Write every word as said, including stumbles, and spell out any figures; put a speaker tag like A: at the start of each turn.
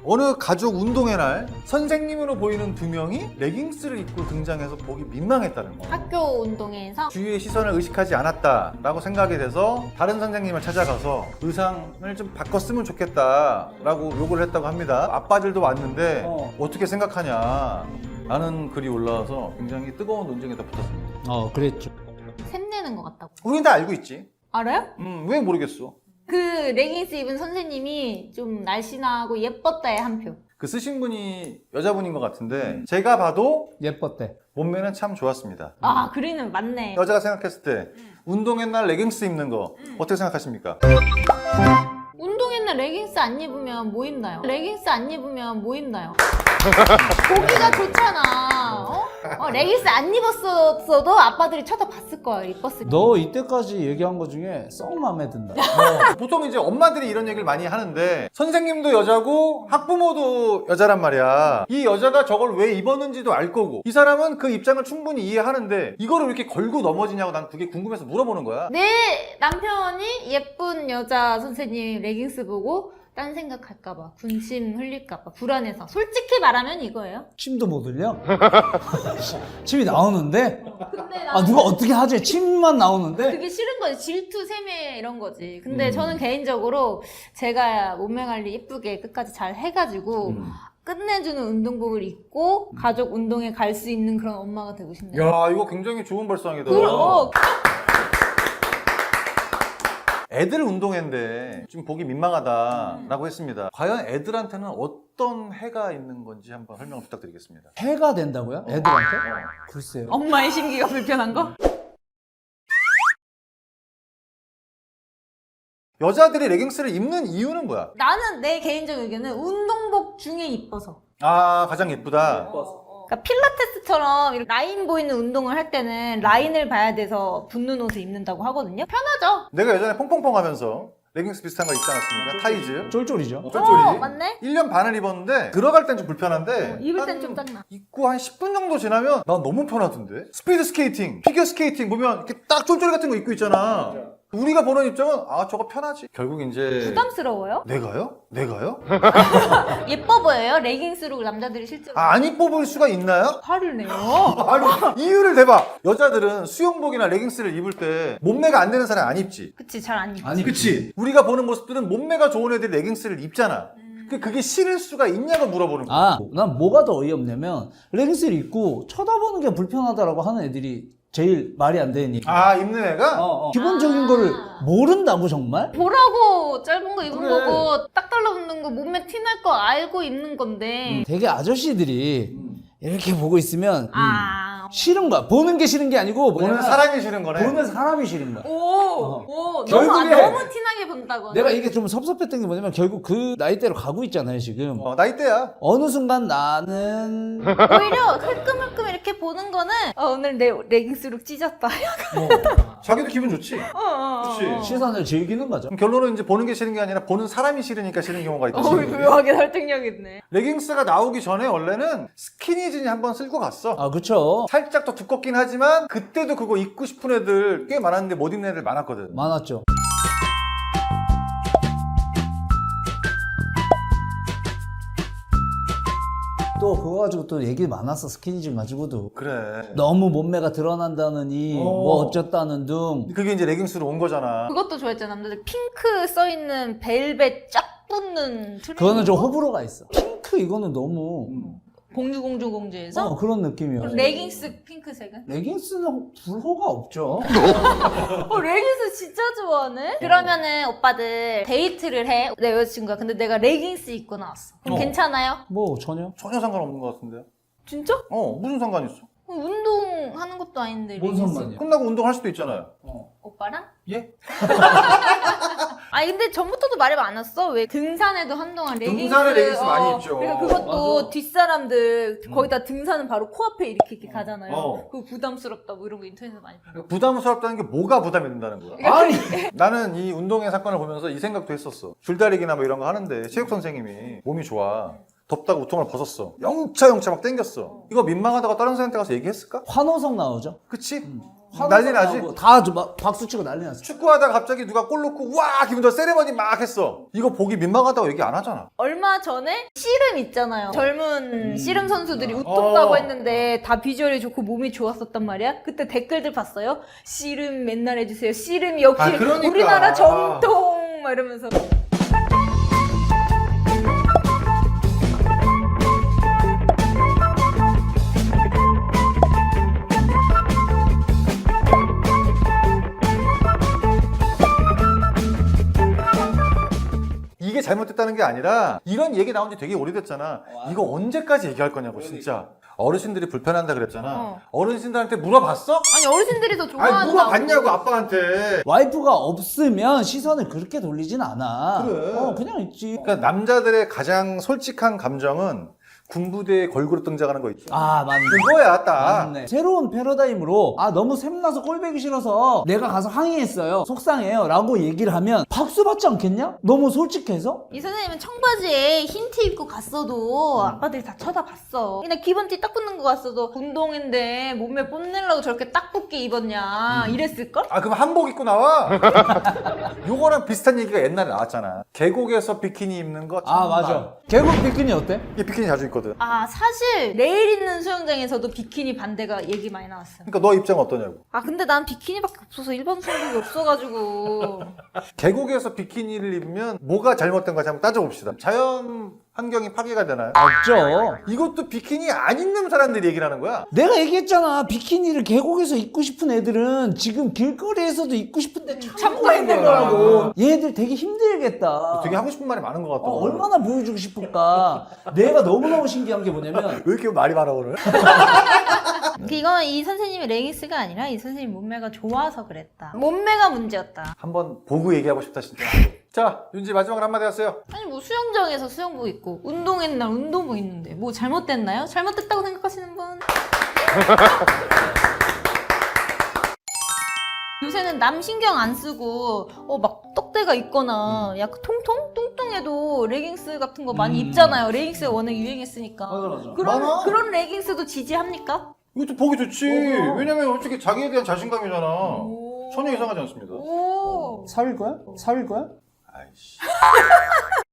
A: 어느 가족 운동회 날 선생님으로 보이는 두 명이 레깅스를 입고 등장해서 보기 민망했다는 거.
B: 학교 운동회에서
A: 주위의 시선을 의식하지 않았다라고 생각이 돼서 다른 선생님을 찾아가서 의상을 좀 바꿨으면 좋겠다라고 요구를 했다고 합니다. 아빠들도 왔는데
C: 어.
A: 어떻게 생각하냐 라는 글이 올라와서 굉장히 뜨거운 논쟁에 다 붙었습니다.
C: 어, 그랬죠.
B: 샘내는 것 같다고.
A: 우린 다 알고 있지.
B: 알아요?
A: 음, 왜 모르겠어.
B: 그 레깅스 입은 선생님이 좀 날씬하고 예뻤다에 한 표.
A: 그 쓰신 분이 여자분인 것 같은데 제가 봐도
C: 예뻤대.
A: 몸매는 참 좋았습니다.
B: 아, 그리는 맞네.
A: 여자가 생각했을 때 운동회 날 레깅스 입는 거 어떻게 생각하십니까?
B: 운동회 날 레깅스 안 입으면 뭐 입나요? 레깅스 안 입으면 뭐 입나요? 보기가 좋잖아. 어? 어, 레깅스 안 입었어도 아빠들이 쳐다봤을 거야. 입었을 때.
C: 너 이때까지 얘기한 거 중에 썩 마음에 든다.
A: 어, 보통 이제 엄마들이 이런 얘기를 많이 하는데 선생님도 여자고 학부모도 여자란 말이야. 이 여자가 저걸 왜 입었는지도 알 거고 이 사람은 그 입장을 충분히 이해하는데 이거를 왜 이렇게 걸고 넘어지냐고 난 그게 궁금해서 물어보는 거야.
B: 내 남편이 예쁜 여자 선생님 레깅스 보고 딴 생각할까봐, 군침 흘릴까봐 불안해서. 솔직히 말하면 이거예요.
C: 침도 못 흘려? 침이 나오는데?
B: 근데
C: 아, 누가 어떻게 하지? 침만 나오는데?
B: 그게 싫은 거지. 질투, 세뇌 이런 거지. 근데
C: 음.
B: 저는 개인적으로 제가 몸매 관리 예쁘게 끝까지 잘 해가지고
C: 음.
B: 끝내주는 운동복을 입고 가족 운동에 갈 수 있는 그런 엄마가 되고 싶네요.
A: 야 이거 굉장히 좋은 발상이다.
B: 그럼
A: 애들 운동회인데 좀 보기 민망하다라고 했습니다. 과연 애들한테는 어떤 해가 있는 건지 한번 설명을 부탁드리겠습니다.
C: 해가 된다고요? 애들한테? 글쎄요.
B: 엄마의 심기가 불편한 거?
A: 여자들이 레깅스를 입는 이유는 뭐야?
B: 나는 내 개인적 의견은 운동복 중에 이뻐서.
A: 아 가장 예쁘다.
B: 그러니까 필라테스처럼 이렇게 라인 보이는 운동을 할 때는 라인을 봐야 돼서 붙는 옷을 입는다고 하거든요. 편하죠?
A: 내가 예전에 퐁퐁퐁 하면서 레깅스 비슷한 거 입지 않았습니까? 타이즈.
C: 쫄쫄이죠.
A: 쫄쫄이.
B: 어, 맞네?
A: 일 년 반을 입었는데 들어갈 땐 좀 불편한데
B: 어, 입을
A: 한
B: 땐 좀 짱나.
A: 입고 한 십 분 정도 지나면 난 너무 편하던데. 스피드 스케이팅, 피겨 스케이팅 보면 이렇게 딱 쫄쫄이 같은 거 입고 있잖아. 우리가 보는 입장은 아 저거 편하지. 결국 이제
B: 부담스러워요?
A: 내가요? 내가요?
B: 예뻐 보여요? 레깅스로 남자들이 실제로.
A: 아, 안 이뻐 보일 수가 있나요?
B: 화를 내요.
A: 아니 이유를 대봐. 여자들은 수영복이나 레깅스를 입을 때 몸매가 안 되는 사람 안 입지.
B: 그치, 잘 안 입지.
C: 아니,
A: 그치? 우리가 보는 모습들은 몸매가 좋은 애들이 레깅스를 입잖아. 그 그게 싫을 수가 있냐고 물어보는 거야.
C: 아, 난 뭐가 더 어이없냐면 레깅스를 입고 쳐다보는 게 불편하다라고 하는 애들이 제일 말이 안 되는 얘기.
A: 아 입는 애가?
C: 어, 어. 기본적인
B: 아.
C: 거를 모른다고 정말?
B: 보라고 짧은 거 입은
A: 그래.
B: 거고 딱 달라붙는 거 몸매 티날 거 알고 입는 건데.
C: 되게 아저씨들이 이렇게 보고 있으면
B: 아.
C: 싫은 거야. 보는 게 싫은 게 아니고
A: 보는
C: 뭐냐면
A: 사람이 싫은 거네.
C: 보는 사람이 싫은 거야.
B: 오, 오, 너무,
C: 결국에
B: 너무 티나게 본다고.
C: 내가 이게 좀 섭섭했던 게 뭐냐면 결국 그 나이대로 가고 있잖아요 지금.
A: 어, 나이대야.
C: 어느 순간 나는
B: 오히려 흘끔흘끔 이렇게 보는 거는 어, 오늘 내 레깅스로 찢었다.
C: 뭐
A: 자기도 기분 좋지.
B: 어, 어, 어.
A: 그치.
C: 시선을 즐기는 거죠.
A: 그럼 결론은 이제 보는 게 싫은 게 아니라 보는 사람이 싫으니까 싫은 경우가 있다.
B: 어, 묘하게 설득력 있네.
A: 레깅스가 나오기 전에 원래는 스키니진이 한번 쓸고 갔어.
C: 아 그쵸.
A: 살짝 더 두껍긴 하지만 그때도 그거 입고 싶은 애들 꽤 많았는데 못 입는 애들 많았거든.
C: 많았죠. 또 그거 가지고 또 얘기 많았어. 스키니진 가지고도.
A: 그래.
C: 너무 몸매가 드러난다느니
A: 어.
C: 뭐 어쩌다는 등.
A: 그게 이제 레깅스로 온 거잖아.
B: 그것도 좋아했잖아. 남자들 핑크 써있는 벨벳 쫙 붙는 트레이닝.
C: 그거는 좀 호불호가 있어. 핑크 이거는 너무
B: 공주 공주 공주에서
C: 어, 그런 느낌이야.
B: 레깅스 핑크색은?
C: 레깅스는 불호가 없죠.
B: 어, 레깅스 진짜 좋아하네? 그러면은 오빠들 데이트를 해. 내 여자친구가. 근데 내가 레깅스 입고 나왔어. 그럼
A: 어.
B: 괜찮아요?
C: 뭐 전혀.
A: 전혀 상관없는 것 같은데요?
B: 진짜?
A: 어, 무슨 상관 있어?
B: 운동하는 것도 아닌데
C: 뭔
B: 레깅스.
C: 상관이야?
A: 끝나고 운동할 수도 있잖아요.
C: 어.
B: 오빠랑?
A: 예?
B: 아니 근데 전부터도 말이 많았어. 왜 등산에도 한동안 레깅스.
A: 등산에 레깅스 많이 입죠.
B: 그러니까 그것도
C: 맞아.
B: 뒷사람들 거의 다 등산은 바로 코앞에 이렇게 이렇게 가잖아요.
A: 어.
B: 그거 부담스럽다 뭐 이런 거 인터넷에서 많이 봤어.
A: 부담스럽다는 게 뭐가 부담이 된다는 거야?
C: 아니
A: 나는 이 운동회 사건을 보면서 이 생각도 했었어. 줄다리기나 뭐 이런 거 하는데 체육 선생님이 몸이 좋아. 덥다고 우통을 벗었어. 영차 영차 막 땡겼어. 이거 민망하다고 다른 사람한테 가서 얘기했을까?
C: 환호성 나오죠.
A: 그치? 난리 나지?
C: 다막 박수 치고 난리 났어.
A: 축구하다가 갑자기 누가 골 넣고 와 기분 좋아 세레머니 막 했어. 이거 보기 민망하다고 얘기 안 하잖아.
B: 얼마 전에 씨름 있잖아요. 젊은 씨름 선수들이 우뚝하고
A: 어.
B: 했는데 다 비주얼이 좋고 몸이 좋았었단 말이야. 그때 댓글들 봤어요? 씨름 맨날 해주세요. 씨름이 역시
A: 아, 그러니까.
B: 우리나라 정통 막 이러면서.
A: 이게 잘못됐다는 게 아니라 이런 얘기 나온 지 되게 오래됐잖아. 이거 언제까지 얘기할 거냐고 진짜. 어르신들이 불편한다 그랬잖아.
B: 어.
A: 어르신들한테 물어봤어?
B: 아니 어르신들이 더 좋아한다고.
A: 아니 물어봤냐고 아빠한테.
C: 와이프가 없으면 시선을 그렇게 돌리진 않아.
A: 그래.
C: 어, 그냥 있지.
A: 그러니까 남자들의 가장 솔직한 감정은 군부대에 걸그룹 등장하는 거 있죠.
C: 아, 맞네.
A: 그거야 딱.
C: 맞네. 새로운 패러다임으로 아 너무 샘나서 꼴배기 싫어서 내가 가서 항의했어요. 속상해요. 라고 얘기를 하면 박수 받지 않겠냐? 너무 솔직해서?
B: 이 선생님은 청바지에 흰 티 입고 갔어도 아빠들이 다 쳐다봤어. 그냥 기본티 딱 붙는 거 갔어도 운동인데 몸매 뽐내려고 저렇게 딱 붙게 입었냐 이랬을걸?
A: 아 그럼 한복 입고 나와? 요거랑 비슷한 얘기가 옛날에 나왔잖아. 계곡에서 비키니 입는 거
C: 아, 맞아. 계곡 비키니 어때?
A: 이게 비키니 자주 입거든.
B: 아 사실 내일 있는 수영장에서도 비키니 반대가 얘기 많이 나왔어요.
A: 그러니까 너 입장 어떠냐고.
B: 아 근데 난 비키니밖에 없어서 일반 수영복이 없어가지고.
A: 계곡에서 비키니를 입으면 뭐가 잘못된 건지 한번 따져봅시다. 자연 환경이 파괴가 되나요?
C: 없죠.
A: 이것도 비키니 안 입는 사람들이 얘기를 하는 거야.
C: 내가 얘기했잖아. 비키니를 계곡에서 입고 싶은 애들은 지금 길거리에서도 입고 싶은데 참고 있는 거라고. 얘들 되게 힘들겠다.
A: 되게 하고 싶은 말이 많은 것 같다.
C: 어, 얼마나 보여주고 싶을까. 내가 너무너무 신기한 게 뭐냐면
A: 왜 이렇게 말이 많아 오늘?
B: 이건 이 선생님의 레깅스가 아니라 이 선생님 몸매가 좋아서 그랬다. 몸매가 문제였다.
A: 한번 보고 얘기하고 싶다 진짜. 자 윤지 마지막으로 한마디 하세요.
B: 아니 뭐 수영장에서 수영복 입고 운동했는 날 운동복 입는데 뭐 잘못됐나요? 잘못됐다고 생각하시는 분? 요새는 남 신경 안 쓰고 어 막 떡대가 있거나 약간 통통? 뚱뚱해도 레깅스 같은 거 많이
C: 음.
B: 입잖아요. 레깅스가 워낙 유행했으니까.
C: 맞아, 맞아.
B: 그런
A: 많아?
B: 그런 레깅스도 지지합니까?
A: 이것도 보기 좋지.
C: 어.
A: 왜냐면 솔직히 자기에 대한 자신감이잖아.
B: 오.
A: 전혀 이상하지 않습니다.
B: 오.
C: 사귈 거야? 사귈 거야?
A: 아이씨.